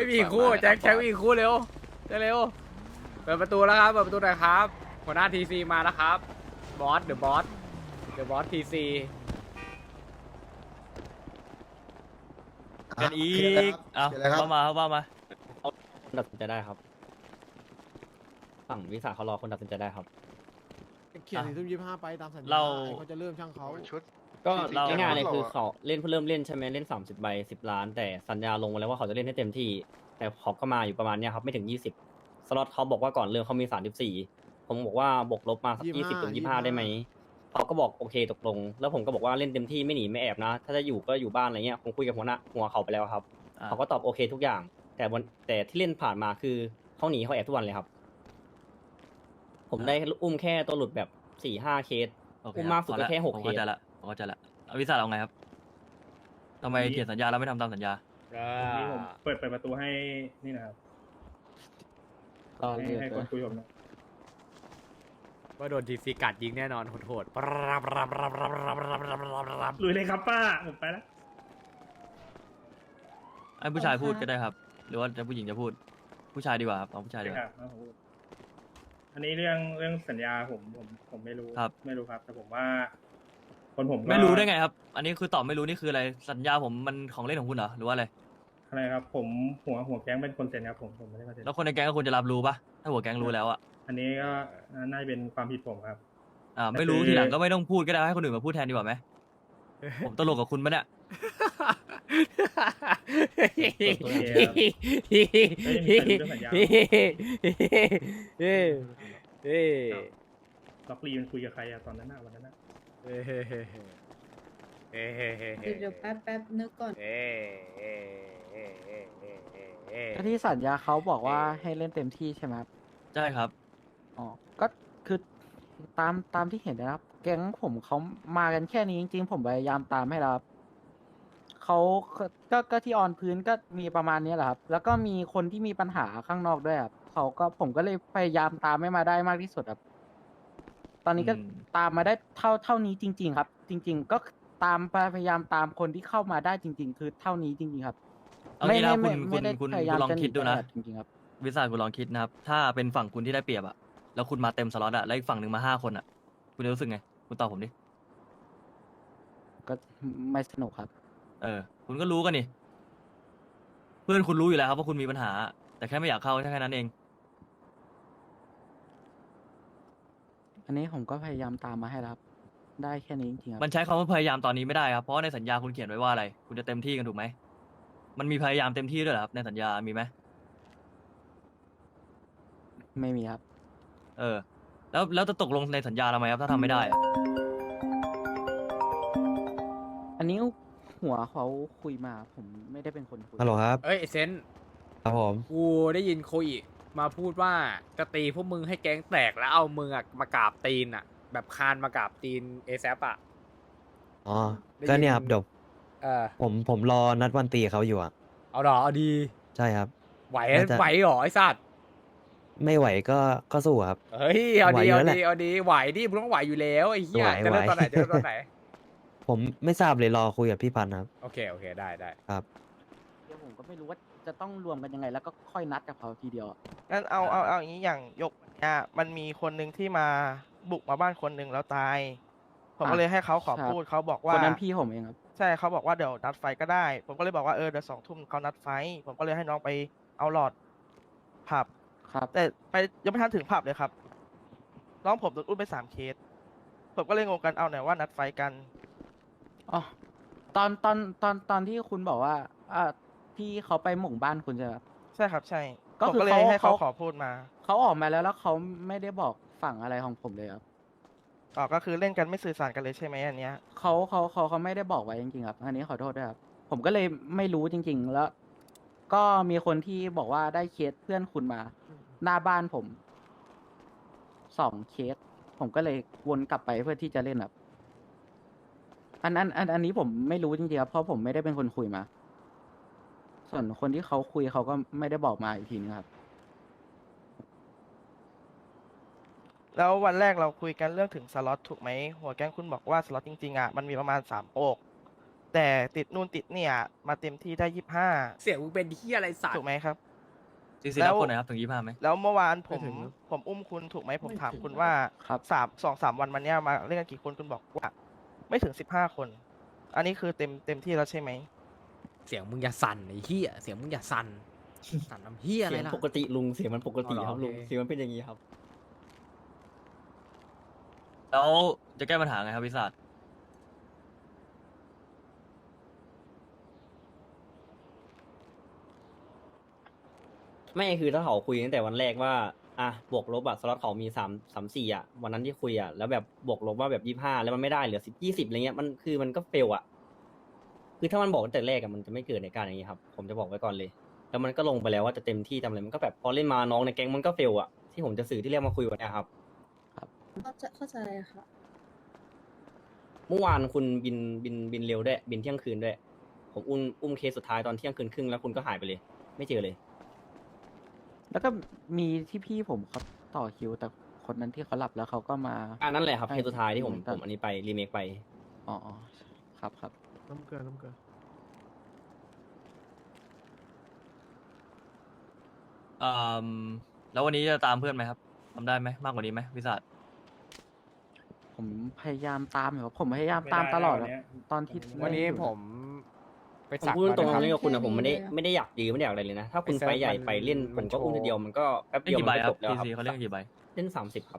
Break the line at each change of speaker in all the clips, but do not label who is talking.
ไม่มีอีกคู่แจ็คมีอีกคู่เร็วเร็วเปิดประตูแล้วครับเปิดประตูหน่อยครับหัวหน้าทีซีมาแล้วครับบอสเดอะบอสทีซี
กันอีกเอาว่ามา
ตัดสินใจได้ครับฝั่งวิสาเขารอคนตัดสินใจได้ครับ
เขียนถึง25ไปตามสัญญาเขาจะเริ่มช่างเขา
ชุด
ก็
เรา
ง่ายๆเลยคือเขาเริ่มเล่นใช่ไหมเล่น30 ใบ 10 ล้าน แต่สัญญาลงมาแล้วว่าเขาจะเล่นให้เต็มที่ แต่เขาก็มาอยู่ประมาณเนี้ยครับไม่ถึง20สล็อตเขาบอกว่าก่อนเริ่มเขามี34ผมบอกว่าบวกลบมาสัก20 ถึง 25ได้ไหมเขาก็บอกโอเคตกลงแล้วผมก็บอกว่าเล่นเต็มที่ไม่หนีไม่แอบนะ ถ้าจะอยู่ก็อยู่บ้านอะไรเงี้ยผมคุยกับหัวเขาไปแล้วครับเขาก็ตอบโอเคทุกอย่าง แต่ที่เล่นผ่านมาคือเขาหนีเขาแอบทุกวันเลยครับ ผมได้อุ้มแค่ตัวหลุดแบบ4-5 เคส
โอเค
อุ้มมากสุดก็แค่6
ผม
เค
เข้า
ส
ใจละผมเข้าใจละเอาวิสาเอาไงครับทำไมเขียนสัญญาแล้วไม่ทำตามสัญญา
นี่ผมเปิดประตูให้นี่นะครับให้คนคุยผมนะ
ว่าโดนทีซีกัดยิงแน่นอนโหดๆ
ลุยเลยครับป้าผมไปแล้ว
ให้ผู้ชายพูดก็ได้ครับ หรือว่าจะผู้หญิงจะพูด ผู้ชายดีกว่าครับเอาผู้ชายดีกว่า
อันนี้เรื่องสัญญาผมไม่รู้
ครับ
ไม่รู้ครับ แต่ผมว่า คนผมก็
ไม่รู้ได้ไงครับ อันนี้คือตอบไม่รู้นี่คืออะไรสัญญาผมมันของเล่นของคุณเหรอหรือว่าอะไร
อะไรครับ ผมหัวแก๊งเป็นคนเซ็นครับผมไม่ได้มาเซ็น
แล้วคนในแก๊งก็ควรจะรับรู้ปะถ้าหัวแก๊งรู้แล้วอะ
อันนี้ก็น่าจะเป็นความผิดผมครับ
ไม่รู้ทีหลังก็ไม่ต้องพูดก็ได้ให้คนอื่นมาพูดแทนดีกว่าไหมผมตลกกับคุณปะเนี่ย
โอเคครับไม่ได้มีใครรู้เรื่องสัญญา ล็อกลีมันคุยกับใครอะตอนนั้นวันนั้น
เดี๋ยวแป๊บนึกก่อน
ก็ที่สัญญาเขาบอกว่าให้เล่นเต็มที่ใช่ไหมครับ
ใช่ครับ
อ๋อ ก็คือตามที่เห็นนะครับ แก๊งผมเขามากันแค่นี้จริงๆ ผมพยายามตามให้แล้วครับเขาก็ที่ออนพื้นก็มีประมาณนี้แหละครับ แล้วก็มีคนที่มีปัญหาข้างนอกด้วยครับผมก็เลยพยายามตามให้มาได้มากที่สุดครับ ตอนนี้ก็
อืม
ตามมาได้เท่านี้จริง ๆ ครับ จริง ๆ ก็ตามพยายามตามคนที่เข้ามาได้จริง ๆ คือเท่านี้จริง ๆ ครับ
เอางี้นะคุณ
ไม่ได้
คุณ
พยายาม
ลอง
จะห
คิดดูนะ
ตลาจริงๆครับ
วิสาคุณลองคิดนะครับ ถ้าเป็นฝั่งคุณที่ได้เปรียบอะแล้วคุณมาเต็มสล็อตอะแล้วอีกฝั่งหนึ่งมา5 คนอะคุณจะรู้สึกไง คุณตอบผมดิ
ก็ไม่สนุกครับ
คุณก็รู้กันนี่ เพื่อนคุณรู้อยู่แล้วครับว่าคุณมีปัญหา แต่แค่ไม่อยากเข้าแค่นั้นเอง
อันนี้ผมก็พยายามตามมาให้แล้วครับ ได้แค่นี้จริงๆครับ
มันใช้คำว่าพยายามตอนนี้ไม่ได้ครับ เพราะว่าในสัญญาคุณเขียนไว้ว่าอะไร คุณจะเต็มที่กันถูกไหม มันมีพยายามเต็มที่ด้วยเหรอครับในสัญญา มีไหม
ไม่มีครับ
แล้วจะตกลงในสัญญาทำไมครับถ้าทำไม่ได้อะ
อันนี้หัวเขาคุยมาผมไม่ได้เป็นคนคุย
ฮัลโหลครับ
เอ้ยไอ้เซน
ครับผม
กูได้ยินโคอิมาพูดว่าจะตีพวกมึงให้แก๊งแตกแล้วเอามึงอะมากราบตีนอะแบบคานมากราบตีนเอซอะ
อ๋อ
ได้ยิน
ก็เนี่ยครับเดี๋ยว
เออ
ผมรอนัดวันตีเขาอยู่อ่ะ
เอาหรอเอาดี
ใช่ครับ
ไหว
น่าจะ
ไหวหรอไอ้สัตว์
ไม่ไหวก็สู้ครับ
เฮ้ยเอาดี
ไหวอยู่
เอา
แล้วแห
ดี
ละ
เอาดีไหวดิมึงต้องไหวอยู่แล้วไอ้เหี้ย
ไหว
จะเริ่ม
ไหว
ตอนไหนจะเริ่มตอนไหน
ผมไม่ทราบเลยรอคุยกับพี่พันธ์ครับ
โอเคได้
ครับ
เดี๋ยวผมก็ไม่รู้ว่าจะต้องรวมกันยังไง แล้วก็ค่อยนัดกับเขาทีเดียวอะ
งั้นเอาอย่างนี้อย่างยกเนี่ยมันมีคนหนึ่งที่มาบุกมาบ้านคนหนึ่งแล้วตาย ผมก็เลยให้เขาขอพูดเขาบอกว่า
คนนั้นพี่ผมเองครับ
ใช่เขาบอกว่าเดี๋ยวนัดไฟก็ได้ ผมก็เลยบอกว่าเดี๋ยว2 ทุ่มเขานัดไฟ ผมก็เลยให้น้องไปเอาหลอดผับ
ครับ
แต่ไปยังไม่ทันถึงผับเลยครับ น้องผมโดนอุ้มไป3 เคส ผมก็เลยงงกันเอาไหนว่านัดไฟกัน
อ๋อ ตอนที่คุณบอกว่าที่เขาไปหมู่บ้านคุณใช่ไหมครับ
ใช่ครับใช่
ก็
ผม
คือ
ก็เลยให้เขาขอพูดมา
เขาออกมาแล้วเขาไม่ได้บอกฝั่งอะไรของผมเลยครับ
ก็คือเล่นกันไม่สื่อสารกันเลยใช่ไหมอันเนี้ย
เขาไม่ได้บอกไว้จริงๆครับ อันนี้ขอโทษด้วยครับ ผมก็เลยไม่รู้จริง ๆ แล้ว ก็มีคนที่บอกว่าได้เคสเพื่อนคุณมา หน้าบ้านผม2 เคส ผมก็เลยวนกลับไปเพื่อที่จะเล่นครับ อันนี้ผมไม่รู้จริงๆครับ เพราะผมไม่ได้เป็นคนคุยมา ส่วนคนที่เขาคุยเขาก็ไม่ได้บอกมาอีกทีนึงครับ
แล้ววันแรกเราคุยกันเรื่องถึงสล็อตถูกไหมหัวแก๊งคุณบอกว่าสล็อตจริงๆอ่ะมันมีประมาณ3 โปกแต่ติดนู่นติดเนี่ยมาเต็มที่ได้
เสียงมึงเป็นที่อะไรสัต
25 ถู
ว์
กไหมครับ
ทีซี
แล้
รับ
ว
คนไหนครับถึง25ไหม
แล้วเมื่อวานผม
ไม่ถึงครับ
ผมอุ้มคุณถูกไหมผม
ไม่
ถาม
ถึง
คุณว่า
ครับ
2-3 วันมาเนี้ยมาเล่นกันกี่คนคุณบอกว่า ไม่ถึง 15 คน อันนี้คือเต็มที่แล้วใช่ไหม
เสียงมึงอย่าสั่นไอ้เหี้ยเสียงมึงอย่าสั่นสั่นน้ำเหี้ยอะไร
เสียง
ล่ะ
ปกติลุงเสียงมันปกติ
อ๋อเหรอ
ครับลุง
โอเค
เสียงมันเป็นอย่างนี้ครับ
แล้วจะแก้ปัญหาไงครับวิสาท
ไม่คือถ้าเขาคุยตั้งแต่วันแรกว่าอ่ะบวกลบอะสล็อตเขามี3-3-4อะวันนั้นที่คุยอะแล้วแบบบวกลบว่าแบบ25แล้วมันไม่ได้เหลือ10-20อะไรเงี้ยมันก็เฟลอะคือถ้ามันบอกตั้งแต่แรกอะมันจะไม่เกิดในการอย่างนี้ครับผมจะบอกไว้ก่อนเลย แล้วมันก็ลงไปแล้วว่าจะเต็มที่ทำอะไรมันก็แบบพอเล่นมาน้องในแก๊งมันก็เฟลอะที่ผมจะสื่อที่เรียกมาคุยวันเนี้ยครับ
เข้าใจค่ะ
เมื่อวานคุณบินเร็วด้วยบินเที่ยงคืนด้วย ผมอุ้มเคสสุดท้ายตอนเที่ยงคืนครึ่งแล้วคุณก็หายไปเลย ไม่เจอเลย
แล้วก็มีที่พี่ผมเขาต่อคิว แต่คนนั้นที่เขาหลับแล้วเขาก็มา
อันนั้นแหละครับ
ใช่
เคสสุดท้ายที่ผม
เหมือนกัน
อันนี้ไปรีเมคไป
อ๋ออ๋อครับครับ
น้ำเกลือน้ำเกลือ
แล้ววันนี้จะตามเพื่อนไหมครับทำได้ไหมมากกว่านี้ไหมวิสาท
ผมพยายามตามอยู่ครับผมพยายามตามตลอด
ไม่
อะ
ได้นะ
ตอนที่
วันนี้
เล่อยู่
ผมไป
ผม
สัก
พูดตรง
มา
ๆ
นะ
เรื่องกับคุณ
แค่
อะผมไม่ได้
นี้เลย
ไม่ได้อยากยื้อไม่ได้อยากอะไรเลยนะ ถ้าคุณ
ไอ้เซิร์ฟ
ไปใหญ่
มัน
ไปเล่น
มั
ผม
น
ก็อุ้ม
โชว์
ทีเดียวมันก็แป๊บ
เล่น
เดียว
กี่
มั
ใบ
น
ค
ก็
รับ
จบแล้ว
ที
ครับ
ซีเขาเล่นกี่ใบ
เล่น30 ครับ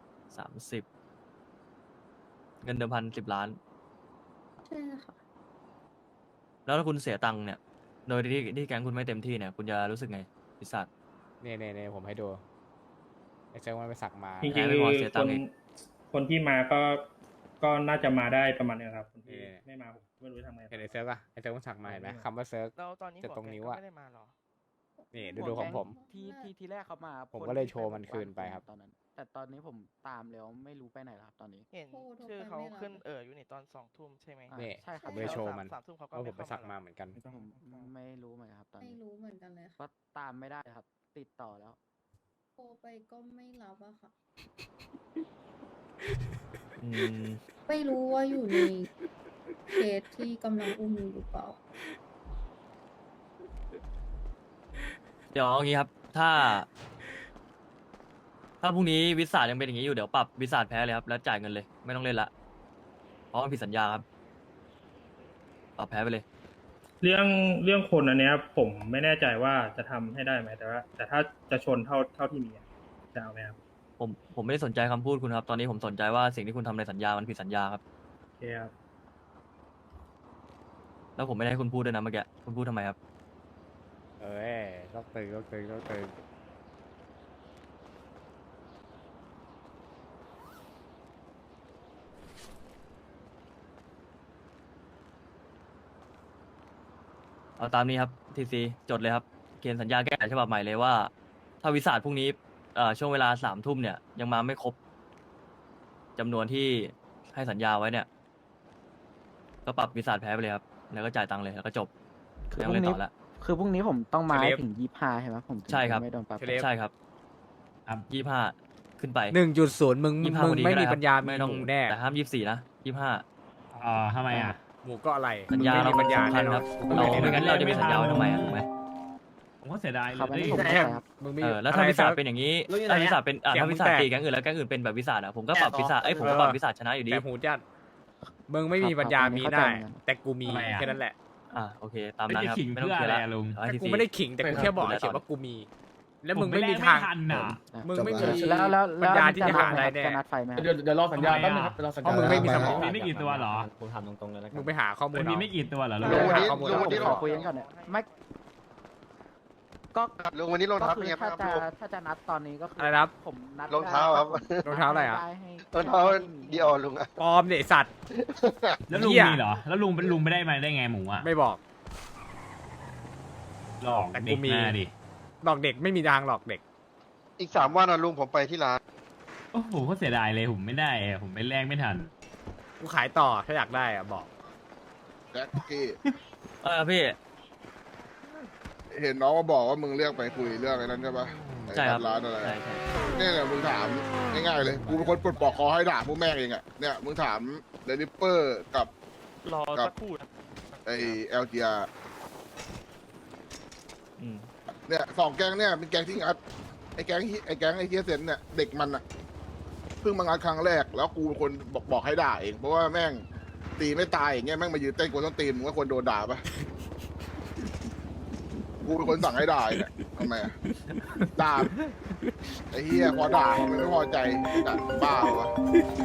30 เงินเดิมพัน10 ล้าน
ใช่ค่ะ
แล้วถ้าคุณเสียตังค์เนี่ย โดยที่แก๊งคุณไม่เต็มที่เนี่ย คุณจะรู้สึกไงวิสาท
เนี่ยผมให้ดูไอ้เจ้ามันไปสักมา
จริง
แพ้
ๆ
ไม่
คื
พอ
อ
เสีย
ค
ตัง
น
ค์อีก
คนที่มาก็น่าจะมาได้ประมาณนึงครับคนที่ไม่มาผมไม่รู้จะทำไง
เห็นไอ้เซิร์ฟป่ะไอ้เซิร์ฟมันสักมาเห็นไหมคำว่าเซิร์ฟ
แล้วตอนนี้
จะ
หัว
ตรง
แก๊
นิ้
ง
ว
ก็
อะ
ไม่ได้มาหรอ
นี่ดูของผม
ที่แรกเขามา
ผม
คน
ก็เลย
ที่
โชว์
ไป
มันคืนไปครับ
ตอนนั้น แต่ตอนนี้ผมตามแล้วไม่รู้ไปไหนแล้วครับตอนนี้
เห็น
โทรไป
ชื่อเขา
ไม่รับ
ขึ้นอยู่นี่ตอน2 ทุ่มใช่ไหม
อ่า
นี่
ใช่ครับ
ผมเลยโชว์มัน
3 ทุ่มเขาก็
ว่าผ
ไม่
มไป
เข้า
สัก
มา
มา
หรอ
เหมือนกัน
ผมไม่รู้เหมือนกันครับตอน
ไม่
นี้
รู้เหมือนกันเลยค่ะ
ก็ตามไม่ได้ครับ ติดต่อแล้ว
โทรไปก็ไม่รับอะค่ะ
อืม
ไม่รู้ว่าอยู่ในเคสที่กำลังอุ้มอยู่หรือเปล่า
เดี๋ยวเอางี้ครับ ถ้าพรุ่งนี้วิสาทยังเป็นอย่างนี้อยู่เดี๋ยวปรับวิสาทแพ้เลยครับ แล้วจ่ายเงินเลย ไม่ต้องเล่นละ เพราะมันผิดสัญญาครับ ปรับแพ้ไปเลย
เรื่องคนอันเนี้ย ผมไม่แน่ใจว่าจะทำให้ได้ไหมแต่ถ้าจะชนเท่าที่มีอะจะเอาไหมครับ
ผมไม่ได้สนใจคำพูดคุณครับ ตอนนี้ผมสนใจว่าสิ่งที่คุณทำในสัญญามันผิดสัญญาครับ
โอเคครับ
แล้วผมไม่ได้ให้คุณพูดด้วยนะเมื่อกี้ คุณพูดทำไมครับ
เอ้ยต้องตึงต้องตึงต้องตึง
เอาตามนี้ครับทีซีจดเลยครับเขียนสัญญาแก้ไขฉบับใหม่เลยว่า ถ้าวิสาทพรุ่งนี้ช่วงเวลา3 ทุ่มเนี่ย ยังมาไม่ครบจำนวนที่ให้สัญญาไว้เนี่ย ก็ปรับวิสาทแพ้ไปเลยครับ แล้วก็จ่ายตังค์เลยแล้วก็จบ
คือ
ไม่
พ
ต้อ
รุ่
ง
ง นี้
เล่นต่อละ
คือพรุ่งนี้ผมต้องมา
เท
ให้
เลฟ
ถึง25ใช่ไหมผมถึง
ใช่ครับ
จะไม่โดนปรับ
เทเลฟ
ใช่ครับ 25 ขึ้นไป
1.0 มึง
25วันนี้
ไม่
ก็
มี
ด้ครับ
ปัญญา
ไม่
มี
ต้อง
หมูแน่
แต่ห้าม24นะ25
ทำไมอ่ะ
หมูก็อะไร
สัญญา
มึ
เรา
งไม่มีปัญญา
สำคั
แน่
ญ
นอ
คน รับ
กู
เรา
ไม่
ไม่
ได้
งั้นเราจะมีสัญญาไว้ทำไมอ่ะถูกไหม
ผมก็เสียดายเลย
ครับอันนี้ผม
แต่
เข้าใจครับ
มึงมี
แล้วถ้า
อะไร
วิสาท
ซิร์ฟ
เป็นอย่างนี้
รู้อยู่ไหน
ถ้าวิสาทเป็น
เสียง
ถ้า
มึ
วิ
ง
สาท
แตก
ตีแก๊งอื่นแล้วแก๊งอื่นเป็นแบบวิสาทอ่ะผมก็ปรับวิสาทผมก็ปรับวิสาทชนะอยู่ดี
แต่หูจัดมึงไม่มี
ครับ
ปัญญา
ครับ
มี
เข้าใจ
ได้
เหมือนกัน
แต่กูมี
ทำไมอะ
แค่นั้นแหละ
โอเคตามนั้นครับ
จะขิง
ไม่ต้อง
เพื่อ
เคลียร์
อะไร
ละ
อะลุง
เอาให้
แต่
ที
กู
ซี
ไม่ได้ขิงแต่กูแค่บอก
ดูแล
เฉย
ต่อ
ว่ากูมี แล้วมึงไม่มีทาง
ทันน่ะ
มึงไม่มี
แล้ว
ปัญญาที่
จะ
จะ
นั
หา
ดไหม
ได้
ครับ
แน่
จะนัดไฟไหมครับ
เดี๋ยวรอสัญญาแป๊บนึงครับรอสัญญา
เพราะมึงไม่มีสมอง
มีไม่กี่ตัวเหรอ
ผมถามตรงๆเลยแล้วกั
มึ
น
งไปหาข้อมูล
มันมี
เอา
ไม่กี่ตัวเหรอลุง
ลุงวันนี้
ผมขอคุยกันก่อนเนี่ยไม่ก็
ลุงวันนี้รอง
ก็
เท้า
คื
เป็น
อ
ไง
ถ้า
บ้างครับ
จะ
ลุง
ถ้าจะนัดตอนนี้ก็คือ
อะไรนะครับ
ผมนัด
รองเท้าครับ
รองเท้าอะไรอะ
ด้ให้
รองเท้าดีออลุงอะ
ปลอมเนี่ยไอ้สัตว์
แล้วลุง
เหี้ย
มีเหรอ แล้วลุงไม่ได้มาได้ไงหมูอ่ะ
ไม่บอก
หลอก
แต่กู
เด็ก
มี
หน้าดิ
หลอกเด็กไม่มีทางหลอกเด็ก
อีก3 วันนะลุงผมไปที่ร้าน
โอ้โหก็เสียดายเลยผมไม่ได้อะผมไปแลกไม่ทัน
กูขายต่อถ้าอยากได้อะบอก
แจ็คกี้
พี่
เห็นน้องมาบอกว่ามึงเรียกไปคุยเรื่องไอ้นั้นใช่ปะ
ใช่ครับ
ร้านอะไร
ใช่ใช่
เนี่ยมึงถามง่ายๆเลยกูเป็นคนปลดปลอกคอให้ด่าพวกแม่งเองอะเนี่ยมึงถามเดลิเปอร์กับ
รอ
ครับ
สักครู่นะ
ไอLGR
อืม
เนี่ยสองแก๊งเนี่ยเป็นแก๊งที่งัดไอแก๊งไอเทียเซนเนี่ยเด็กมันอะเพิ่งมางัดครั้งแรกแล้วกูเป็นคนบอกให้ด่าเองเพราะว่าแม่งตีไม่ตายอย่างเงี้ยแม่งมายืนเต้นกูต้องตีมึงว่าควรโดนด่าปะกูเป็นคนสั่งให้ด่าเนี่ยทำไมอะด่าไอ้เหี้ยพอด่ามันไม่พอใจด่าบ้าวะ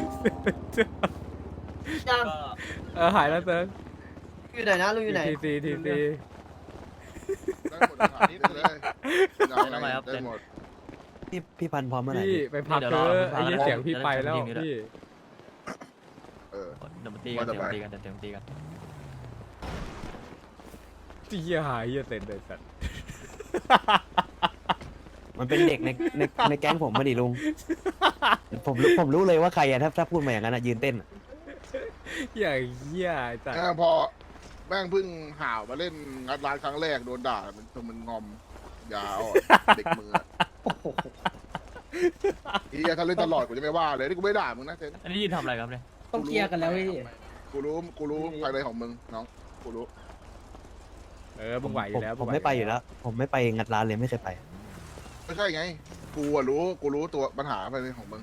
เออหายแล้วเซิร์ฟ
อยู่ไหนนะลุงอยู่ไหน
ทีซี
ได้หมดเลยครับได้เลยได้หมด
พี่พันธุ์พร้อมเมื่อไหร่
พี่
พี่
ไปพัก
เดี๋ยว
เถ
รอ
อะไอ้เหี้ยเสียงพี่ไปแล้ว
เดี๋ยว
พี่
เออ
เดี๋ยวมาตีกัน
ว่าแต่
เดี๋ยวมา
ไป
ตีกันเดี๋ยวมาตีกัน
เหี้ยหายเหี้ยเต็นเลยสัตว์
มันเป็นเด็กในแก๊งผมมาดิลุง ผมรู้เลยว่าใครอะถ้าพูดมาอย่างนั้นอะยืนเต้นอะ
เหี้ยเหี้ยไอ้สัตว์
พอแม่งเพิ่งห่าวมาเล่นงัดร้านครั้งแรกโดนด่ามันงอมยาวเด็กมือไอ้เหี้ยถ้าเล่นตลอดกูจะไม่ว่าเลยนี่กูไม่ด่ามึงนะเซน
อันนี้ยืนทำอะไรครับเนี่ย
ต้องเคลียร์กันแล้วพี่
กูรู้ภายในของมึงน้องกูรู้
เออมึงไหวอยู่แล้ว
ผมไม่ไปอยู่แล้ว ผมไม่ไปงัดร้านเลยไม่เคยไป
ไม่ใช่ไงกูรู้ตัวปัญหาภายในของมึง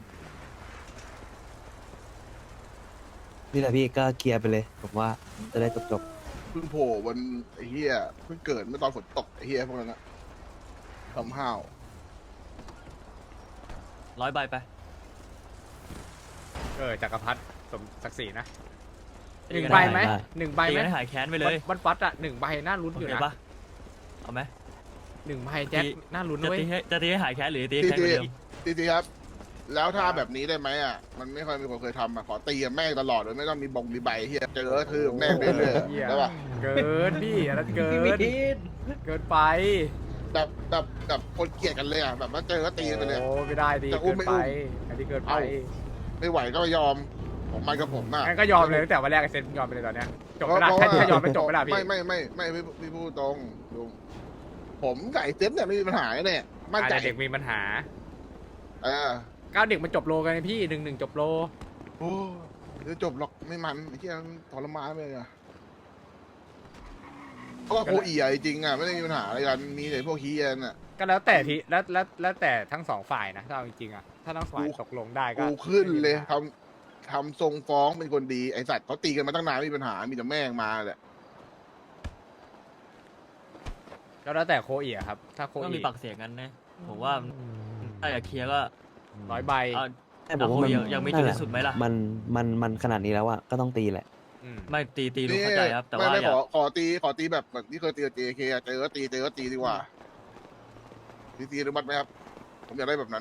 นี่แหละพี่ก็เคลียร์ไปเลย ผมว่าจะได้จบ
เพิ่งโผล่วันไอ้เหี้ยเพิ่งเกิดเมื่อตอนฝนตกไอ้เหี้ยพวกนั้นอะทำห้าว
100 ใบไป
จักรพรรดิสมศักดิ์ศรีนะ
ตี
หนึ่ง
กัน
ใบ
ได้
ไหมหนึ่งใบ
ตี
ไหม
กันให้หายแค้นไปเลย
วันฟัดอะ1 ใบน่าลุ้น
โอ
อยู่
เค
นะ
ปะเอาไหม
1 ใบแจ็คน่าลุ้น
จะ
เว้ย
ตีให้หายแค้นหรือตีให้แค้นเหมือนเดิม
ตีครับ แล้วถ้าแบบนี้ได้ไหมอ่ะมันไม่ค่อยมีคนเคยทำอ่ะขอตีกับแม่งตลอดเลยไม่ต้องมีใบเฮียเจอคือแม่งเรื่อย
เหี้ย
ๆได้ปะ
เกินพี่อันนั้นเกินเกินไป
แบบคนเกลียดกันเลยอ่ะแบบว่าเจอก็ตีกันไปเลย
โอ้ไม่ได้ดิ
จะอุ้
เกิ
ม
น
ไม่
ไป
อุ้ม
อันนี้เกินไป
เอ้า ไม่ไหวก็ไม่ยอมผมมันกับผมอ่ะ
งั้นก็ยอมเลยตั้งแต่วันแรกไอ้เซนยอมไปเลยตอนเนี้ยจบไปละถ้ายอมไม่จบไปละพี่
ไม่พูดตรงลุงผมกับไอ้เซ็ตเนี่ยไม่มีปัญหาเนี่ยมั่นใจ
อาจจะเด็กมีปัญหา
เออ
ก้าวเด็กมันจบโลกันไงพี่1-1จบโล
โอ้จะจบหรอกไม่มันไอ้เหี้ยทรมานไปเลยอ่ะเพราะว่าโคอีอ่ะจริงอ่ะไม่ได้มีปัญหาอะไรกันมีแต่พวกเฮียน่ะ
ก็แล้วแต่ที่แล้วแต่ทั้งสองฝ่ายนะถ้าเอาจริงๆอ่ะถ้าทั้งฝ่ายตกลงได้ก็
กูขึ้นเลยทำทรงฟ้องเป็นคนดีไอสัตว์เขาตีกันมาตั้งนานไม่มีปัญหามีแต่แม่งมาแหละ
ก็แล้วแต่โคอีอะครับ ถ้าโค
ก็
อี
มีปากเสียงกันนะผมว่าถ้าอยากเคลียร์ก็
100 ใบ
เอา
ๆแต่ผมว่ามัน
ยังไม่จุดที่สุดไหมล่ะ
มันขนาดนี้แล้วอะก็ต้องตีแหละ
อืม
ไม่ตีรู้เข้าใจครับ แต่ว่า
ไม่
อย่า
ขอตีแบบที่เคยตีกับ JK อะเจอก็ตีดีกว่าตีอนุมัติไหมครับ ผมอยากได้แบบนั้น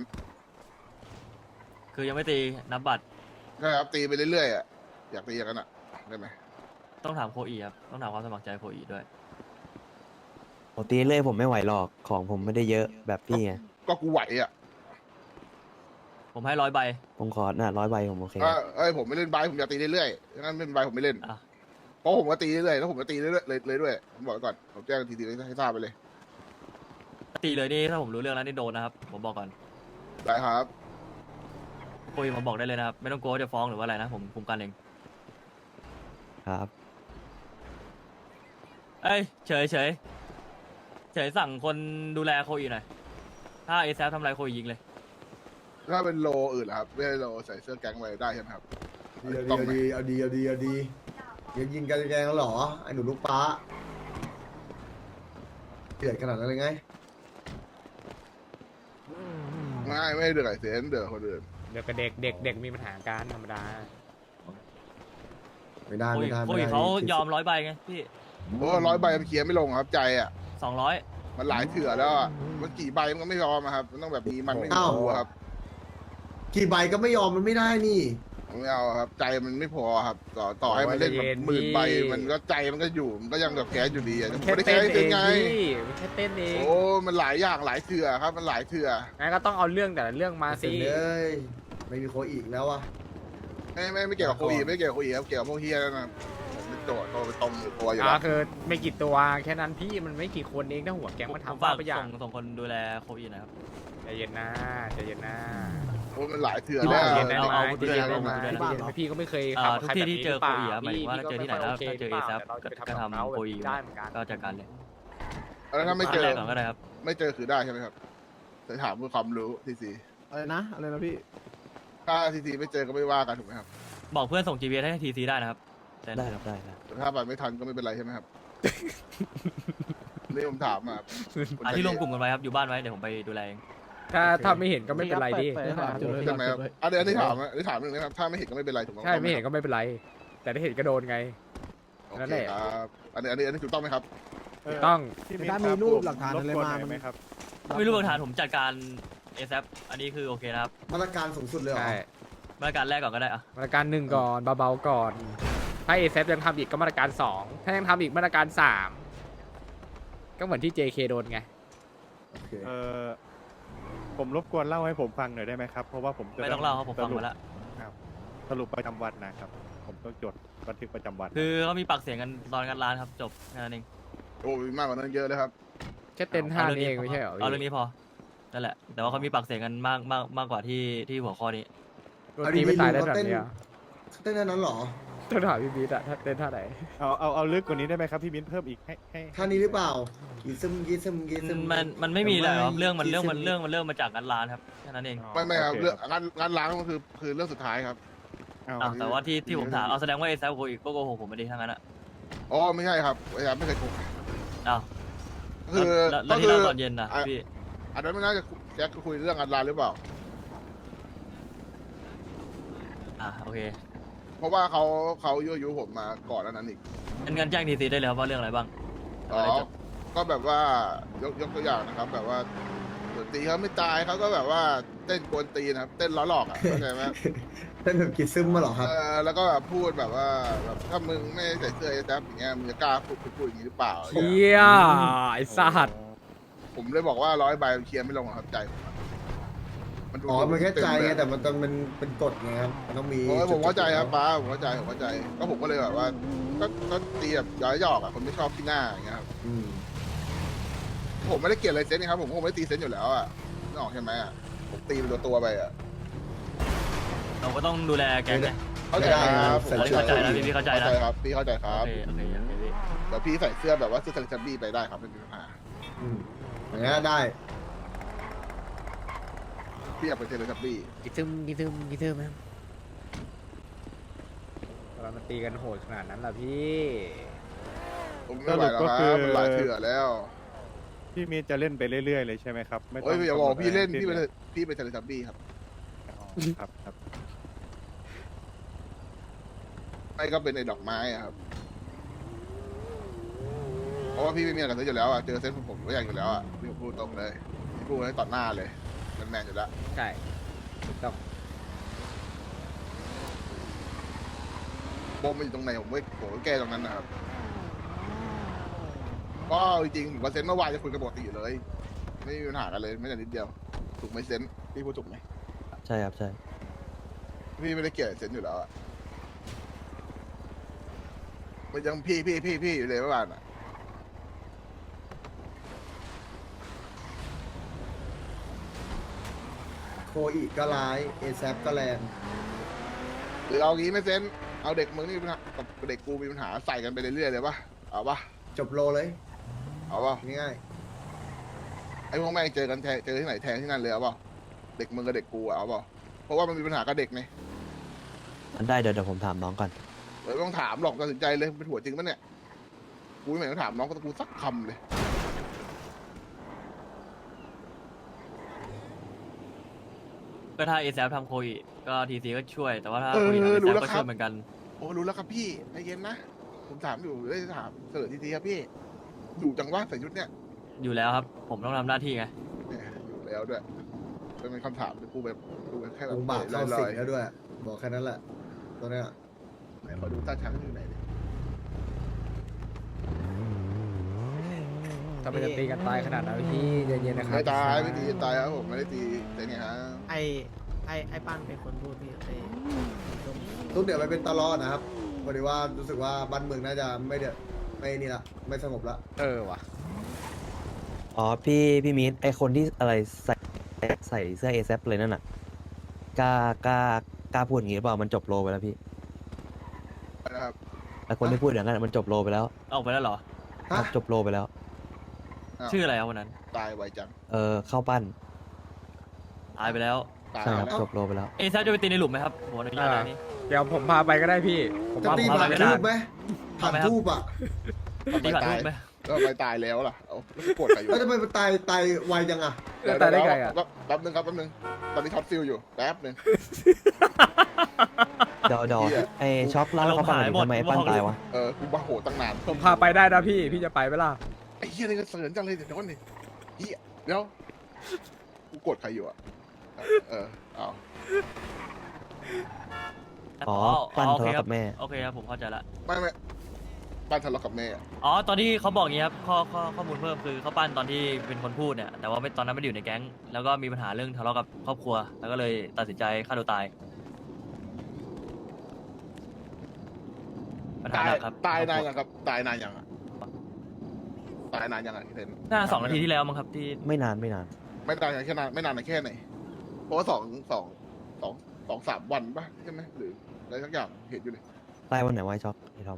คือยังไม่ตีนับบัตร
ใช่ครับตีไปเรื่อยๆอะอยากตีอย่างนั้นอะได้ไหม
ต้องถามโคอีครับต้องถามความสมัครใจโคอีด้วย
ผมตีเรื่อยผมไม่ไหวหรอกของผมไม่ได้เยอะแบบพี่ไง
ก็กูไหวอะ
ผมให้100 ใบ
ผมขอ100 ใบผมโอเค
ผมไม่เล่นใบผมอยากตีเรื่อยๆงั้นเป็นใบผมไม่เล่น
อ่ะ
เพราะผมก็ตีเรื่อยๆแล้วผมก็ตีเรื่อยๆเลยด้วยผมบอกไว้ก่อนผมแจ้งทีให้ทราบไปเลย
ตีเลยนี่ถ้าผมรู้เรื่องแล้วนี่โดนนะครับผมบอกก่อน
ได้ครับ
โคอีมาบอกได้เลยนะครับไม่ต้องกลัวว่าจะฟ้องหรือว่าอะไรนะผมคุมกันเอง
ครับ
เอ้ยเฉยสั่งคนดูแลโคอีหน่อยถ้าเอซทำอะไรโคอียิงเลย
ถ้าเป็นโลอื่นล่ะครับไม่ใช่โลใส่เสื้อแก๊งไว้ได้ใช่ไหมครับ
เอาดียังยิงกันแกงแล้วเหรอไอ้หนูลูกป้าเกลียดขนาดนั้นเลยไง
ไม่เดือดไอเซนเดือดคนอื่น
เดี๋ยวกับเด็กมีปัญหาการธรรมดา
ไม่ได้
โค
ไม่
อี
ได้
โค
ไม่
อี
ได้
เขายอม100 ใบไงพี่
เพราะว่า100 ใบมันเคลียร์ไม่ลงครับใจอ่ะ
200
มันหลายเถื่อแล้วอ่ะมันกี่ใบมันก็ไม่ยอมอะครับมันต้องแบบมีมันไม่มีตัวครับ
กี่ใบก็ไม่ยอมมันไม่ได้นี่
ไม่เอาครับใจมันไม่พอครับต่อให้มันเล่นแบบ10,000 ใบมันก็ใจมันก็อยู่มันก็ยังแบบแค้นอยู่ดีอ่ะ
มัน
ไม่
แค่
ได้
เต้
แค้
น
น
เอ
เป็นไง
งพี่มันแค่เต้นเอง
โอ้มันหลายอย่างหลายเถื่อครับมันหลายเถื่อ
งั้นก็ต้องเอาเรื่องแต่ละเรื่องมา
เสร็
สิ
จเลยไม่มีโคอีกแล้วอะ
ไม่เกี่ยวกับโคอีไม่เกี่ยวกับโคอีครับเกี่ยวกับพวกเฮียนั่นนะผมเป็นโจทย์ตัวเป็นตรงอยู่ตัวอยู่
อ๋อ
แล้ว
คือไม่กี่ตัวแค่นั้นพี่มันไม่กี่คนเองถ้าหัวแก๊งมัน
ผม
ทำ
ฝา
บ้าก ไปอย่าง
ส่งคนดูแลโคอีหนะครับ
ใจเย็นนะใจเย็นนะ
โอ้มันหลายเถื่อน
พี่
แล้ว
บอก
เ
เห็นไหม
เอา
พี่
ที่
เห็น
เจอ
ไหม
ด้วยนะ
พี่ก็ไม่เคย
ทุก
ทำ
ที่
ใคร
ที่เจอ
แบบ
โค
นี้
อีอะหมายถึงว่า
พี่
เจอที่ไหนแล้ว
ก็
ถ้าเจอ
ม่
เอ
ค่ย
ซับ
โอเค
ก็
หรือเปล่า
ทำโคอี
ได้เหมือนกัน
ก็จัดการเลย
แล้วถ้าไม่เจอ
แรกก่อนก็ได้ครับ
ไม่เจอคือได้ใช่ไหมครับแต่ถามเพื่อความรู้ทีซี
อะไรนะพี่
ถ้าทีซีไม่เจอก็ไม่ว่ากันถูกไหมครับ
บอกเพื่อนส่ง GPS ให้ทีซีได้นะครับแต่
ได้ครับได้ครับ
แต่ถ้าไปไม่ทันก็ไม่เป็นไรใช่ไหมครับ นี่ผมถามมาคน
ที่รวมกลุ่มกันไว้ครับอยู่บ้านไว้เดี๋ยวผมไปดูแลเอง
ถ้าไม่เห็นก็ไม่เป็นไรดิ
เปิด
ใช่ไหมครับอันนี้ถามอันนี้ถามหนึ่งนะครับถ้าไม่เห็นก็ไม่เป็นไรถูกไหม
ใช่ไม่เห็นก็ไม่เป็นไร แต่ถ้าเห็นก็โดนไง
โอ
นั่น
เค
แหละ
ครับอันนี้ถูกต้องไหมครับ
ถูกต้อง
ถ้ามีรูปหลักฐานอะไรมามัน
ไม่รู้หลักฐานผมจัดการเอซับอันนี้คือโอเคนะครับ
มาตรการสูงสุดเลยเหรอ
ใช่
มาตรการแรกก่อนก็ได้อะ
มาตรการหนึ่งก่อนเบาๆก่อน ถ้าเอซยังทำอีกก็มาตรการสองถ้ายังทำอีกมาตรการสามก็เหมือนที่ JK โดนไง
โอเค
ผมรบกวนเล่าให้ผมฟังหน่อยได้ไหมครับ เพราะว่าผมจะ
ไม่ต้องเล่าครับผมฟังมาแล้ว
สรุปประจำวันนะครับ ผมต้องจดบันทึกประจำวัน
คือเขามีปากเสียงกันตอนงานร้านครับจบแค่นั้นเอง
โอ้มีมากกว่านั้นเยอะเลยครับ
แค่เต้นท่านี้เองไม่ใช่เหรอ
เอาเรื่องนี้พอนั่นแหละแต่ว่าเขามีปากเสียงกันมากกว่าที่หัวข้อนี้
โดนตีไม่ตายได้แบบเนี้ย
เต้นนั้นเหรอ
ต้องถามพี่บีทอะถ้าเต้นท่าไหน
เอาลึกกว่านี้ได้ไหมครับพี่มิ้นเพิ่มอีกให้
ท่านี้หรือเปล่ากีซึม
มันไม่มีเลยครับเรื่องมันเริ่มมาจากงานร้านครับแค่นั้นเอง
ไม่ครับเรื่องงานล้างมันคือเรื่องสุดท้ายครับ
อ้าวแต่ว่าที่ผมถามเอาแสดงว่าเอซับโคอีกโกหกผมไม่ดีทั้งนั้นอะ
อ๋อไม่ใช่ครับไม่เคยโกหก
อ้าว
คือ
แล้วที่เล่าตอนเย็นนะพี่
อันนั้นไม่น่าจะแจ็คคุยเรื่องงานล้างหรือเปล่า
โอเค
เพราะว่าเขายั่วยุผมมาก่อนหน้านั้นอีก
งั้นแจ้งทีซีได้เลยครับว่าเรื่องอะไรบ้าง
อ๋อ ก็แบบว่ายกตัวอย่างนะครับ แบบว่าเดี๋ยวตีเขาไม่ตายเขาก็แบบว่าเต้นกวนตีนะครับ เต้นล้อหลอกอ่ะเข้าใจไหม
เต้นแบบกีซึมมาเหรอครับ
แล้วก็แบบพูดแบบว่าแบบถ้ามึงไม่ใส่เสื้อไอ้แจ๊บอย่างเงี้ยมึงจะกล้าพูดอย่างนี้หรือเปล่า
เฮียไอ้สัตว์
ผมเลยบอกว่า100 ใบมันเคลียร์ไม่ลงหรอกครับใจผมอะมันดู
อ๋อ มันแค่ใจไง
เต็มเลย
แต่มันต้องเป็นกฎไงครับ มันต้องมี
โอ้ยผมเข้าใจครับป้าผมเข้าใจก็ผมก็เลยแบบว่าก็ตีแบบย้อยหยอกอ่ะคนไม่ชอบที่หน้าอย่างเงี้ยครับ
อืม
ผมไม่ได้เกลียดอะไรเซนนี่ครับผมคงไม่ได้ตีเซนอยู่แล้วอ่ะนึกออกใช่ไหมอ่ะผมตีเป็นตัวไปอ่ะ
เราก็ต้องดูแลแกงไง
เข้าใจครับ
เข้าใจนะพี่เข้าใจนะ
ครับพี่เข้าใจค
โอ
รับ
เคพี่
เดี๋ยวพี่ใส่เสื้อแบบว่าเสื้อเทเลชับบี้ไปได้ครับไม่มีปัญหา
อืมอย่างนี้นได้
พี่อยากเป็นเทเลชับบี้
กิซึมมั้งเรามาตีกันโหดขนาดนั้นล่ะพี่
ผมไม่ไหวแล้วครับมันหลายเถื่อแล้ว
พี่มิ้นจะเล่นไปเรื่อยๆเลยใช่ไหมครับไม่ต้
โอ้
อย ง
อย่าบอกพี่เล่น
กำหด
พี่เป็นเทเลชับบี้ครับ
ครับ
ไม่ก็เป็นไอ้ดอกไม้อะครับ เพราะว่าพี่ไม่มีอะไรกับเซนอยู่แล้วอ่ะ เจอเซนผมก็อยากอยู่แล้วอ่ะพี่พูดตรงเลยพี่พูดให้ต่อหน้าเลยแมนอยู่แล้ว
ใช่ถูกต้อง
ปมมันอยู่ตรงไหนผมก็แก้ตรงนั้นนะครับก็จริงๆผมกับเซนเมื่อวานจะคุยกันปกติอยู่เลย ไม่มีปัญหากันเลยไม่แต่นิดเดียว ถูกไหมเซนพี่พูดถูกไหม
ใช่ครับใช่
พี่ไม่ได้เกลียดเซนอยู่แล้วอ่ะมันยังพี่อยู่เลยเมื่อวานอ่ะ
โคอีก็ร้ายเอแซก็แรง
หรือเอางี้ไหม่เซนเอาเด็กมึงนี่มีปัญหากับเด็กกูมีปัญหาใส่กันไปเรื่อยๆเลยปะเอาปะ
จบโลเลย
เอาปะ
ง่าย
ไอ้พวกแม่งเจอกันเจอที่ไหนแทงที่นั่นเลยเอาปะเด็กมึงกับเด็กกูอะเอาปะเพราะว่ามันมีปัญหากับเด็กไง
มันได้เดี๋ยวผมถามน้องก่อน
ไม่ต้องถามหรอกตัดสินใจเลยเป็นหัวจริงปะเนี่ยกูไม่เห็นต้องถามน้องก็กูสักคำเลย
ก็ถ้าเอซับทำโคอีก็ทีซีก็ช่วยแต่ว่าถ้าโคอีทำเอซับก็ช่วยเหมือนกัน
โอ้รู้แล้วครับพี่ใจเย็นนะผมถามอยู่เลยถามเสนอทีครับพี่อยู่จังวะใส่ชุดเนี้ย
อยู่แล้วครับผมต้องทำหน้าที่ไง
เนี่ยอยู่แล้วด้วยเป็นคำถามที่กูแบบกูแค่
ๆ
แบ
อบ งค์บากเข้า
ล
สิ
อง ย
แล้วด้วย บอกแค่นั้นแหละ ตัวเนี้ย
ๆไหนขอดูตาช้างอยู่ไหนดิ
ถ้ามันจะตีกันตายขนาดนั้นพี่เย็นๆนะครับ
ไม่ตายไม่ตีตายครับผมไม่ได้ตีแต่ไงฮะ
ไอ้ปั้นเป็นคนพูดพี่
ทุกเดี๋ยวไปเป็นตลอดนะครับพอดีว่ารู้สึกว่าบ้านเมืองน่าจะไม่นี่ละไม่สงบละ
ว่ะ
อ๋อพี่มิ้นไอคนที่อะไรใส่เสื้อเอซเลยนั่นน่ะกล้าพูดอย่างงี้หรือเปล่ามันจบโลไปแล้วพี่
นะครับ
แต่คนที่พูดอย่างนั้นมันจบโลไปแล้ว
ออกไปแล้วเหรอ
ครับ จบโลไปแล้ว
าว
ชื่ออะไรครับวันนั้น
ตายไวจัง
เข้าปั้น
ตายไปแล้ว
ตาย
ใช่ครับ
แล้ว
จบโลไปแล้ว
เอยแซฟจะไปตีในหลุมไหมครับผมอนุญาตนะนี่
เดี๋ยวผมพาไปก็ได้พี่ ผม
จะ
ว่า
ตี
ผมพา
ผ่า
ไป
น
ไม่
ทู
ได้
บไหมผ่านทูบอ่ะ
ตีผ่านรูปไหม
แล้วไปตายแล้วล่ะเอาแล้วโกรธใครอยู่
แล้วทำไมมันตายไวจังอ่ะ
แล้วตายได้ไงอ่ะ
แป๊บนึงครับแป๊บนึงตอนนี้ช็อตฟิลอยู่แป๊บนึง
ดอ
เหี้ย
ไอช็อกเล่าให้เขาฟังหน่อยดิทำไมไอ้ปั้นตายวะ
กูบ้าโหตั้งนาน
ผมพาไปได้นะพี่ พี่จะไปไหมล่ะ
ไอ้เหี้ยนี่ก็เสริญจังเลยเดี๋ยวก่อนดิเหี้ยเดี๋ยวกูโกรธใครอยู่อ่ะเอา
อ๋อปั้นทะเลาะกับแม่
โอเคครับผมเข้าใจละ
ไม่บ้านทะเลาะกับแม่
อ๋อตอนที่เขาบอกอย่างนี้ครับข้อมูลเพิ่มคือเขาปั้นตอนที่เป็นคนพูดเนี่ยแต่ว่าตอนนั้นไม่ได้อยู่ในแก๊งแล้วก็มีปัญหาเรื่องทะเลาะกับครอบครัว แล้วก็เลยตัดสินใจฆ่าตัวตายปัญหาหนักครับ
ตายนานยังครับตายนานยังอะตายนานยังอะที่เห็น
น่า2 นาทีที่แล้วมั้งครับที่
ไม่นาน
ไม่นานแค่นานไม่นานแค่ไหนเพราะว่า2-3 วันป่ะใช่ไหมหรืออะไรสักอย่างเห็นอยู่เลย
ตายวันไหนวะไอ้ช็อกไอ้ทอม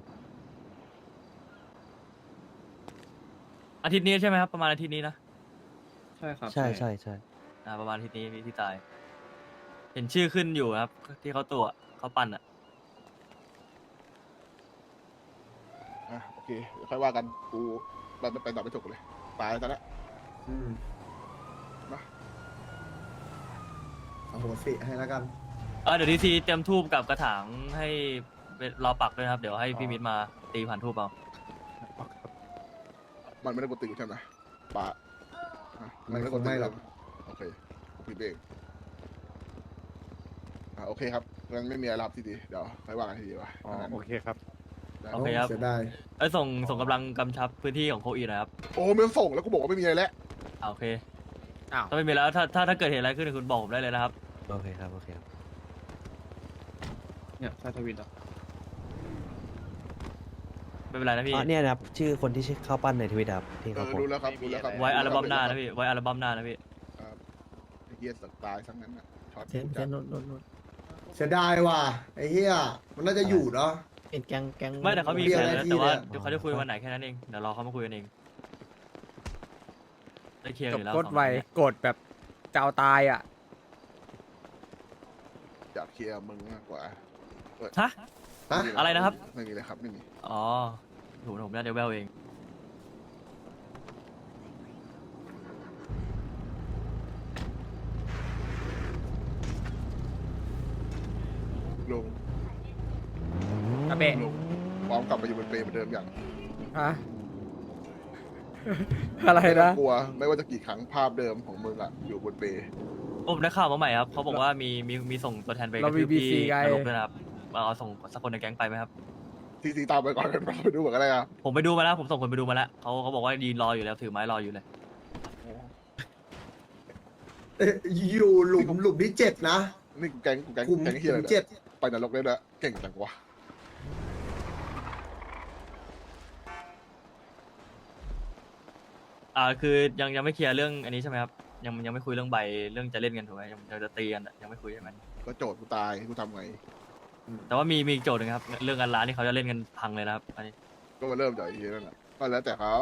อาทิตย์นี้ใช่ไหมครับประมาณอาทิตย์นี้นะ
ใช่ครับ
ใช่
ประมาณอาทิตย์นี้ที่ตาย เห็นชื่อขึ้นอยู่ครับ ที่เขาตัวเขาปั้นอ่ะ
โอเคเดี๋ยวค่อยว่ากันกูไปต่อไปจบกันเลยตายแล้ว มา
โอ้โหสิให้แล้วกัน
เดี๋ยวดีซีเตรียมทูบกับกระถางให้รอปักด้วยนะครับ เดี๋ยวให้พี่มิตรมาตีผ่านทูบเอา
มันไม่ได้กดติวใช่ไหมปะมันไม่ได้กดติวหรอกโอเคผิดเองโอเคครับงั้นไม่มีอะไรรับทีดีเดี๋ยวค่อยว่ากันทีดีว่ะโอเคครับ
โอเคครับ
เสียดาย
ส่งกำลังกำชับพื้นที่ของโคอีนะครับ
โอ้ไม่ต้องส่งแล้วกูบอกว่าไม่มีอะไรแล้ว
โอเค
อ้าว
ถ้าไม่มีแล้วถ้าเกิดเหตุอะไรขึ้นคุณบอกผมได้เลยนะครับ
โอเคครับ
เนี่ยใช่ทวิตอ่ะ
ไม่เป็นไรนะพี่
เนี่ยนะครับ ชื่อคนที่ชื่อเข้าปั้นในทวิตครับที่เขาโพส
รู้
ต์
แล้วครับรู้แล้วครับ
ไว้อัลบั้มหน้านะพี่ไว้อัลบั้มหน้านะพี่
ไอ้เหี้ยสักตายทั้งนั้นนะช็อต
เซนโนด
เสียดายว่ะไอ้เหี้ยมันน่าจะอยู่เนาะ
เป็นแกง
ไม่แต่เขามี
เรียก
แผน
อะไร
แล้ว
ที่
แต่ว่า
เนี่ย
เดี๋ยวเขาจะคุยวันไหนแค่นั้นเองเดี๋ยวรอเขามาคุยกันเองได้เคลียร์
จ
อบ ยู่แล้ว
กด
2
ไว
คนเนี่ย
กดแบบจะเอาตายอ่ะ
อยากเคลียร์มึงมากกว่า
ฮะ
ฮะ
อะไรนะครับ
ไม่มีเลยครับไม่มี
อ๋อผมน่าจะแววเอง
ลุง
อาเบะ
ลุงพร้อมกลับมาอยู่บนเปรย์เหมือนเดิมอย่าง
ฮะ อะไรนะ
กลัวไม่ว่าจะกี่ครั้งภาพเดิมของมึงอะอยู่บนเปรย์
ผมได้ข่าวมาใหม่ครับเขาบอกว่ามีส่งตัวแทนไปก
เรา
ระ
มี
ทืบที่
BC ไง
นรกด้วยนะครับเอาส่งสักคนในแก๊งไปไหมครับ
ทีตามไปก่อนกันไปดูเหมือนกันเลยอะ
ผมไปดูมาแล้วผมส่งคนไปดูมาแล้วเขาบอกว่ายืนรออยู่แล้วถือไม้รออยู่เลย
อยู่หลุมที่7นะ
นี่กูแก๊ง
กลุ่ม
เฮียอะไร
เจ็
เนี่ย
ด
ไปนรกได้ด้วยเก่งจังวะ
คือยังไม่เคลียร์เรื่องอันนี้ใช่ไหมครับยังไม่คุยเรื่องใบเรื่องจะเล่นกันถูกไหมยังจะตีกันอะยังไม่คุยใช่ไหม
ก็โจทย์กูตายกูทำไง
แต่ว่ามีอีกโจทย์หนึงครับเรื่องการร้านที่เขาจะเล่นกันพังเลยนะครับอันนี้
ก็มาเริ่มจากไอ้เฮียนั่นแหละก็แล้วแต่เขา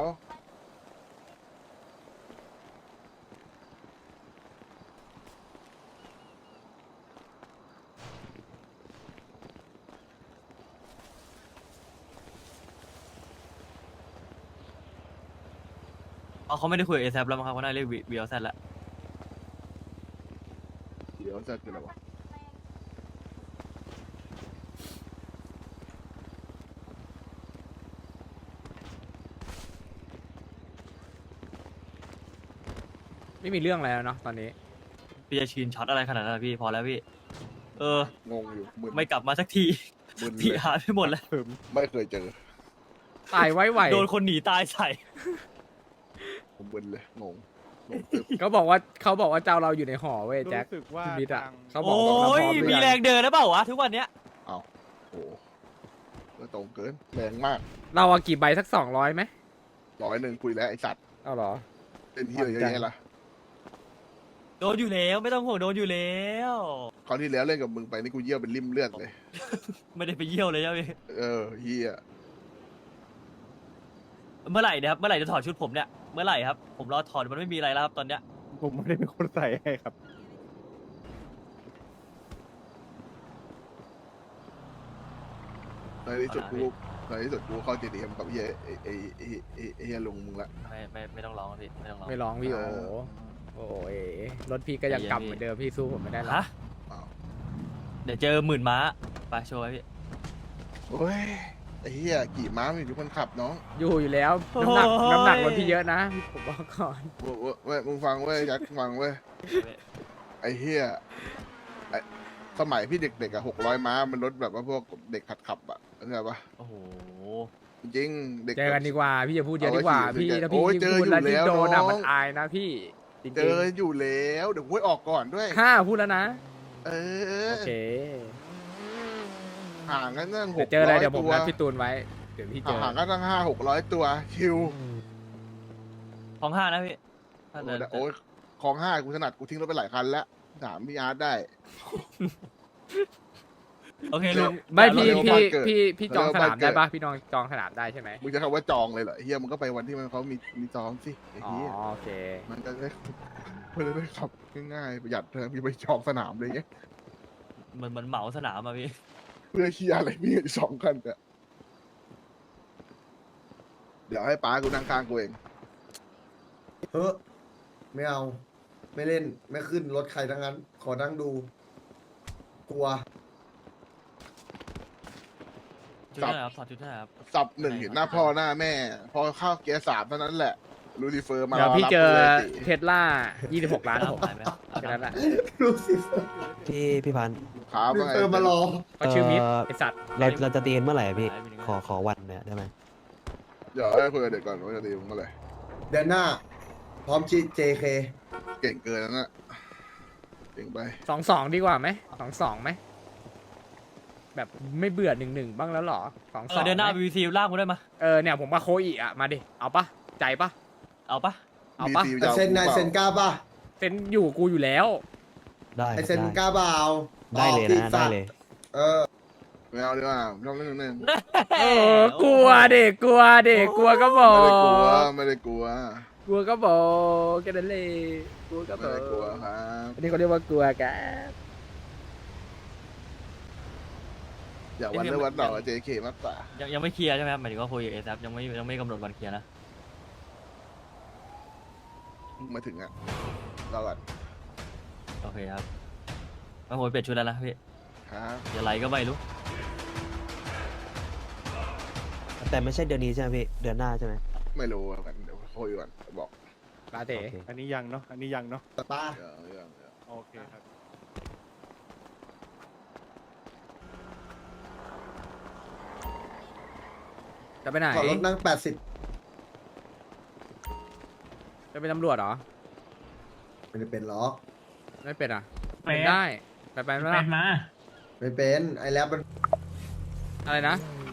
เขาไม่ได้คุยกับเอซแล้วมั้งครับเขาน่าเรียกวีเอลแซแล้ว
เดี๋ยวจะคืออะไรวะ
ไม่มีเรื่องอะไรแล้วเนาะตอนนี้
พี่จะชีนช็อตอะไรขนาดนั้นอะพี่พอแล้วพี่
งงอยู่มึน
ไม่กลับมาสักที
มึน
พี่
เลย
หาไปหมดแล้ว
ไม่เคยเจอ
ตายไว้ไหว
โดนคนหนีตายใส่
ผมมึนเลยงงตึบ
เขาบอกว่าเจ้าเราอยู่ในหอเว้ยแจ็คพี่มิดอ่ะเขาบอก
โอ้
ว่าเรา
ย
พร้อมหรือ
มี
ยัง
แรงเดินแล้วเปล่าวะทุกวันเนี้ย
เอาโอ้ก็ตรงเกินแรงมาก
เราเอากี่ใบสัก200ไหม
100คุยแล้วไอสัตว์
เอาเหรอ
เป็นที่เยอะแยะละ
ก็โดนอยู่แล้วไม่ต้องห่วงโดนอยู่แล้ว
คราวที่แล้วเล่นกับมึงไปนี่กูเยี่ยวเป็นริ่มเลือดเลย
ไม่ได้ไปเยี่ยวเลยใช่ไหมพี่
เฮีย
เมื่อไหร่เนี่ยครับเมื่อไหร่จะถอดชุดผมเนี่ยเมื่อไหร่ครับผมรอถอดมันไม่มีอะไรแล้วครับตอนเนี้ย
ผมไม่ได้เป็นคนใส่ให้ครับ
ในที่สุดกูเข้า JDM กับเฮียลุงมึงละ
ไม่ต้องร้องครับพี่ไม่ต้องร้อง
ไม่ร้องพี่โอ้ยรถพี่ก็ยังกำเหมือนเดิมพี่สู้ผมไม่ได้หรอก
ฮะเดี๋ยวเจอ10,000 ม้าไปโชว์ไว้พี่
โอ้ยไอ้เฮียกี่ม้ามีอยู่คนขับน้อง
อยู่แล้วน้ำหนักรถพี่เยอะนะผมบอกก่อน
เว้ยมึงฟังเว้ยยัดฟังเว้ยไอ้เฮียสมัยพี่เด็กๆ600 ม้ามันรถแบบว่าพวกเด็กขับเข้าใจปะ
โอ้โห
จริงๆเด็ก
เจอกันดีกว่าพี่อย่าพูดเยอะดีกว่า
เอาไว้
พี่
ขี่
ถ้าพี่
โอ้ย
ยิ่ง
เจอ
พูดแล้ว
อยู่
ยิ่ง
แล้ว
โดนอะ
น้อง
มันอายนะพี่จริง
เจออยู่แล้วเดี๋ยวกูให้ออกก่อนด้วย
ๆพูดแล้วนะ
เออ
โอเค
ห่างกันตั้ง
เดี๋ยวเจออะไร
600
เดี๋ยวผม
ตัว
นัดพี่ตูนไว้เดี๋ยวพี่เจอ
ห่างกันตั้ง500-600 ตัวคิว
ของ5นะพี่ถ้าเดิน
โอ้ยของ5กูถนัดกูทิ้งรถไปหลายคันแล้วถามพี่อาร์ตได้
โอเคลุง
ไม่
เรา
พี่
เรียกว่าบ้านเกิด
พี่จองสนาม
เราเรียกว่าบ้านเกิด
ได้ปะพี่น้องจองสนามได้ใช่ไหม
มึงจะคำว่าจองเลยเหรอเฮียมึงก็ไปวันที่เขามีจองสิไอ้
อ๋อ
เฮีย
โอเค
มันจะได้ขับง่ายๆประหยัดเธอมีไปจองสนามเลยเงี้ย
เหมือนเหมาสนามอะพี่
เพื่อเฮียอะไรมี2 คันเนี่ยเดี๋ยวให้ป้ากูนั่งข้างกูเอง
เฮ้อไม่เอา ไม่เล่นไม่ขึ้นรถใครทั้งนั้น ขอนั่งดู กลัว
ชุดเท่าไหร่ครับถอดชุดเท่าไหร่ครับ
สับ1เห็นหน้าพ่อหน้าแม่ พอเข้าเกียร์3เท่านั้นแหละลูซิเฟอร์มา
เดี๋ยวพี่
รับ
เจอ
กูลยสิ
เทสลา26 ล้าน
เอา
ผม
ไปไหมครับ
แค่นั้นแหละ
ลูซิเฟอร์
พี่พันธุ์
ครับว่าไง
มารอ
เขาชื่อมิดไอสัตว์
เราจะตีกันเมื่อไหร่อะพี่ ขอวันเนี่ยได้ไหม
เดี๋ยวให้คุยกับเด็กก่อนว่าจะตีมึงเมื่อไหร่
เดือนหน้า พร้อมJK
เก่งเกินแล้วนะเก่งไป
2-2 ดีกว่าไหม2-2 ไหมแบบไม่เบื่อ1-1 บ้างแล้วเหรอ2-2
เดือนหน้า VC ลากกูได้มา
เนี่ยผมมาโคอีอะมาดิเอาปะใจปะ
เอาปะ
เอาปะ
BC ยาว
เซนนายเซนกล้าป่ะ
เซ็นอยู่กูอยู่แล้ว
ได้
ไอ
ครับ
เซนกล้าเปล่า
ได้เลย
ออก
นะ
สิ
ได้เลย
เออ
ไม่เอาดีกว่าชอบเล่นนึง
กลัวเด็กกลัวก็บอ
ไม่ได้กลัว
กลัวก็บอกแค่นั้นเลยกลัวก็บ
ไม่
อก
ได้กลัวครับ
อันนี้เขาเรียกว่ากลัวกัน
อย่าวันเล่วันต่อกับ JK มากกว่า
ยังไม่เคลียร์ใช่ไหมครับหมายถึงว่าคุยกับเอซับยังไม่กำหนดวันเคลียร์นะ
มาถึงอ่ะรอก่อน
โอเคครับมาโหยเปลี่ยนชุดแล้วนะพี่
ครับ
อย่าไหลก็ไม่รู้
แต่ไม่ใช่เดือนนี้ใช่ไหมพี่ เดือนหน้าใช่ไหม
ไม่รู้อ่ะเดี๋ยวคุยก่อนบอก
ลาเต้
โอเค
อันนี้ยังเนาะอันนี้ยังเนาะ
ป้า
เดี๋ยว
โอเคครับ
จะไปไหน
ขอรถนั่ง80
จะเป็นตำรวจเหรอ
ไม่ได้เป็นหรอก
ไม่เป็นอ่ะ
เป็น
ได้ไปไหม
เป็
ล่ะ
นมา
ไม่เป็นไอแลบมัน
อะไรนะ
ไ